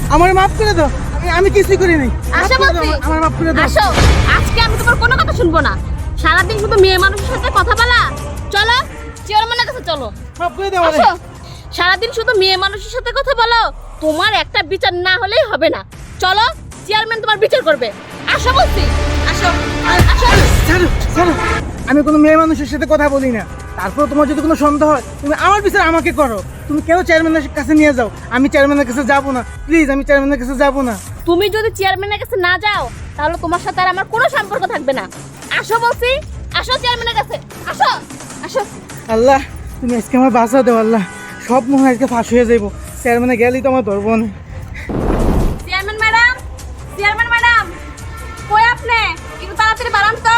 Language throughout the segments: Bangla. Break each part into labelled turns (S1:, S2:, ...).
S1: আমার মাফ করে দাও, আমি কিছুই করি নাই।
S2: আসো বলছি,
S1: আমার মাফ করে দাও।
S2: আসো। আজকে আমি তোমার কোনো কথা শুনবো না। সারাদিন শুধু মেয়ে মানুষের সাথে কথা বলা। চলো চেয়ারম্যানের কাছে চলো।
S1: মাফ করে দাও আমারে।
S2: আসো। সারাদিন শুধু মেয়ে মানুষের সাথে কথা বলো, তোমার একটা বিচার না হলেই হবে না। চলো চেয়ারম্যান তোমার বিচার করবে। আসো বলছি, আসো আসো।
S1: ছাড়ো ছাড়ো, আমি কোনো মেয়ে মানুষের সাথে কথা বলি না। তারপর তোমার যদি কোনো সন্দেহ হয়, তুমি আমার বিচার আমাকে করো। তুমি কেন চেয়ারম্যানের কাছে নিয়ে যাও? আমি চেয়ারম্যানের কাছে যাবো না, প্লিজ, আমি চেয়ারম্যানের কাছে যাবো না।
S2: তুমি যদি চেয়ারম্যানের কাছে না যাও, তাহলে তোমার সাথে আর আমার কোনো সম্পর্ক থাকবে না। আসো বলছি, আসো চেয়ারম্যানের কাছে, আসো আসো।
S1: আল্লাহ, তুমি আজকে আমার বাঁচা দেও আল্লাহ। সব মনে হয় আজকে ফাঁস হয়ে যাইব। চেয়ারম্যানে গেলেই তো আমার ধরবো না।
S2: চেয়ারম্যান ম্যাডাম, চেয়ারম্যান ম্যাডাম, কই আপনি? একটু তাড়াতাড়ি বাড়ান তো।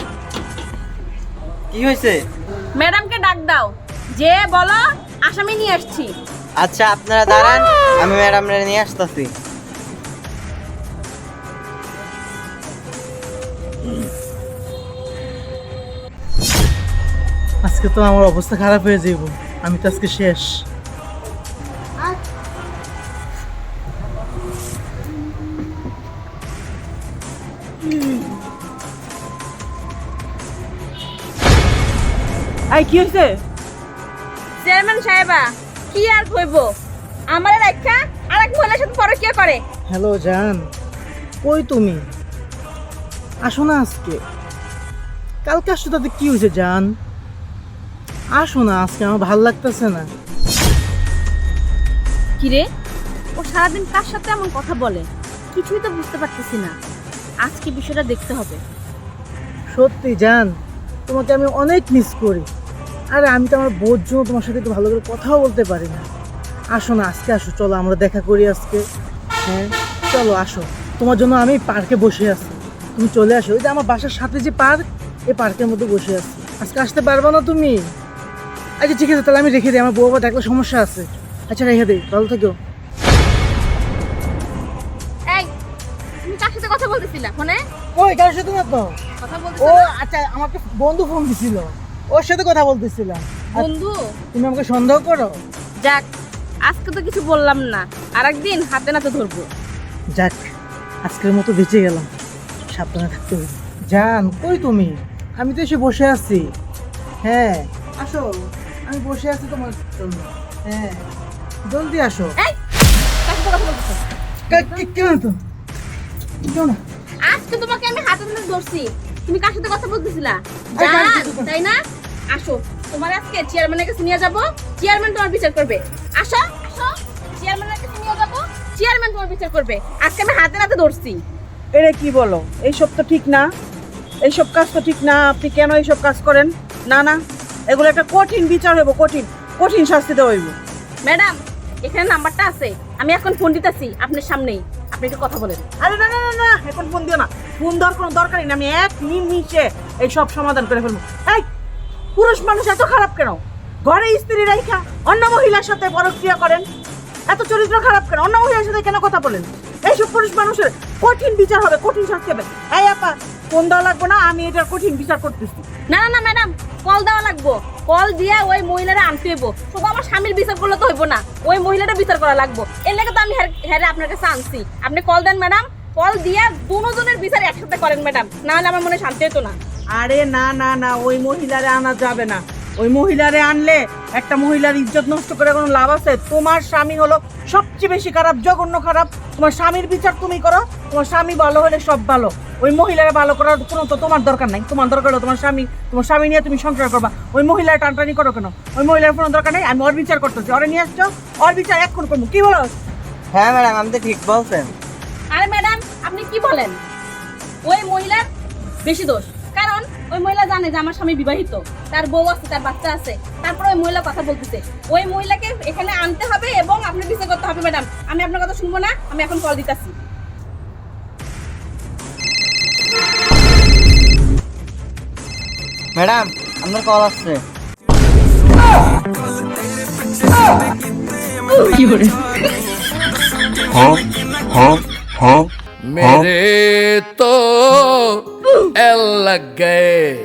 S3: কি হয়েছে?
S2: ম্যাডামকে ডাক দাও, যে বলো আসামি নিয়ে আসছি।
S3: আচ্ছা আপনারা দাঁড়ান, আমি ম্যাডামরা নিয়ে আসতেছি।
S1: আজকে তো আমার অবস্থা খারাপ হয়ে যাইব। আমি তো আজকে শেষ।
S4: আই কি হয়েছে?
S2: চেয়ারম্যান সাহেবা, কি আর কইব, আমার রাখা আরেক মহিলার সাথে পরকীয়া করে।
S1: হ্যালো জান, কই তুমি? আসো না আজকে। কালকে আসছো, তাতে কি হয়েছে জান? আসো না আজকে, আমার ভালো লাগতেছে না।
S2: কি রে, ও সারাদিন কার সাথে এমন কথা বলে? কিছুই তো বুঝতে পারতেছি না। আজকে বিষয়টা দেখতে হবে।
S1: সত্যি জান, তোমাকে আমি অনেক মিস করি। আরে আমি তো আমার বোর জন্য তোমার সাথে একটু ভালো করে কথাও বলতে পারি না। আসো না আজকে, আসো, চলো আমরা দেখা করি আজকে। হ্যাঁ চলো আসো, তোমার জন্য আমি পার্কে বসে আছি। তুমি চলে আসো, ওই যে আমার বাসার সাথে যে পার্ক, এই পার্কের মধ্যে বসে আছি। আজকে আসতে পারবে না তুমি? আচ্ছা ঠিক আছে, তাহলে আমি রেখে দিই, আমার বউ আবার দেখলে সমস্যা আছে। আচ্ছা রেখে দিই, ভালো থেকো।
S2: এই, তুমি কার সাথে কথা বলতেছিলা ফোনে?
S1: ওই কারোর সাথে না তো।
S2: কথা
S1: ও
S2: বলতেছিলা?
S1: আচ্ছা, আমাকে বন্ধু ফোন দিছিল, ওর সাথে কথা বলতেছিলাম। আর
S2: বন্ধু?
S1: তুমি আমাকে সন্দেহ করো?
S2: যাক, আজকে তো কিছু বললাম না, আরেকদিন হাতে নাতে ধরবো।
S1: যাক, আজকের মতো বেঁচে গেলাম। সাবধানে থাকতে হবে। জান কই তুমি? আমি তো এসে বসে আছি। হ্যাঁ আসো, আমি বসে আছি তোমার জন্য। হ্যাঁ জলদি আসো।
S2: এই, কার সাথে কথা বলতেছ?
S1: কেন তো? কেউ না।
S2: আজকে তোমাকে আমি হাতে নাতে ধরছি, তুমি কার সাথে কথা বলতেছিলা?
S1: আরে কার
S2: জান,
S1: সাথে কথা?
S2: তাই না? আসো, তোমার আজকে চেয়ারম্যানের কাছে নিয়ে যাব। চেয়ারম্যান তোমার বিচার করবে। আসো আসো, চেয়ারম্যানের কাছে নিয়ে যাব, চেয়ারম্যান তোমার বিচার করবে। আজকে আমি হাতে নাতে ধরছি।
S4: এটা কি বলো? এইসব তো ঠিক না, এইসব কাজ তো ঠিক না। আপনি কেন এইসব কাজ করেন? না না, এগুলো একটা কঠিন বিচার হইব, কঠিন কঠিন শাস্তি দেওয়া হইব।
S2: ম্যাডাম, এখানে নাম্বারটা আছে, আমি এখন ফোন দিতেছি আপনার সামনেই, আপনি একটু কথা বলেন।
S4: আরে না না না না, এখন ফোন দিও না। ফোন দেওয়ার কোনো দরকারই না, আমি এক নিমিষে এই সব সমাধান করে ফেলবো। এই পুরুষ মানুষ এত খারাপ কেন? ঘরে স্ত্রী রাইখা অন্য মহিলার সাথে পরক্রিয়া করেন, এত চরিত্র খারাপ কেন? অন্য মহিলার সাথে কেন কথা বলেন? এইসব পুরুষ মানুষের কঠিন বিচার হবে, কঠিন শাস্তি হবে। এই আপা, ফোন দেওয়া লাগবে না, আমি এটার কঠিন বিচার করতেছি।
S2: না না না ম্যাডাম, কল দেওয়া লাগবো। কল দিয়া ওই মহিলারা আনতে হইব। শুধু আমার স্বামীর বিচার করলে তো হইব না, ওই মহিলাটা বিচার করা লাগবো। এর লেগে তো আমি হ্যাঁ আপনার কাছে আনছি। আপনি কল দেন ম্যাডাম, কল দিয়া দুজনের বিচার একসাথে করেন ম্যাডাম, না হলে আমার মনে শান্তি হতো না।
S4: আরে না না না, ওই মহিলারে আনা যাবে না। ওই মহিলারে আনলে একটা মহিলার ইজ্জত নষ্ট করে কোনো লাভ আছে? তোমার স্বামী হলো সবচেয়ে বেশি খারাপ, জঘন্য খারাপ। তোমার স্বামীর বিচার তুমি করো, তোমার স্বামী ভালো হলে সব ভালো। ওই মহিলারে ভালো করার কোনো তো তোমার দরকার নাই। তোমার দরকার হলো তোমার স্বামী নিয়ে তুমি সংসার করবা। ওই মহিলার টানটানি করো কেন? ওই মহিলার কোনো দরকার নেই। আমি ওর বিচার করতেছি, ওরে নিয়ে আসছো, ওর বিচার এখন করবো। কি বলো?
S3: হ্যাঁ ম্যাডাম, আপনি তো ঠিক বলছেন।
S2: আরে ম্যাডাম, আপনি কি বলেন? ওই মহিলার বেশি দোষ, কারণ ওই মহিলা জানে যে আমার স্বামী বিবাহিত, তার বউ আছে, তার বাচ্চা আছে, তারপরে ওই মহিলা কথা বলতেছে। ওই মহিলাকে এখানে আনতে হবে এবং আপনার বিচার করতে হবে ম্যাডাম। আমি আপনার কথা শুনবো না, আমি এখন কল দিতেছি।
S3: ম্যাডাম, আপনার কল আসছে।
S5: मेरे तो एल लग गए।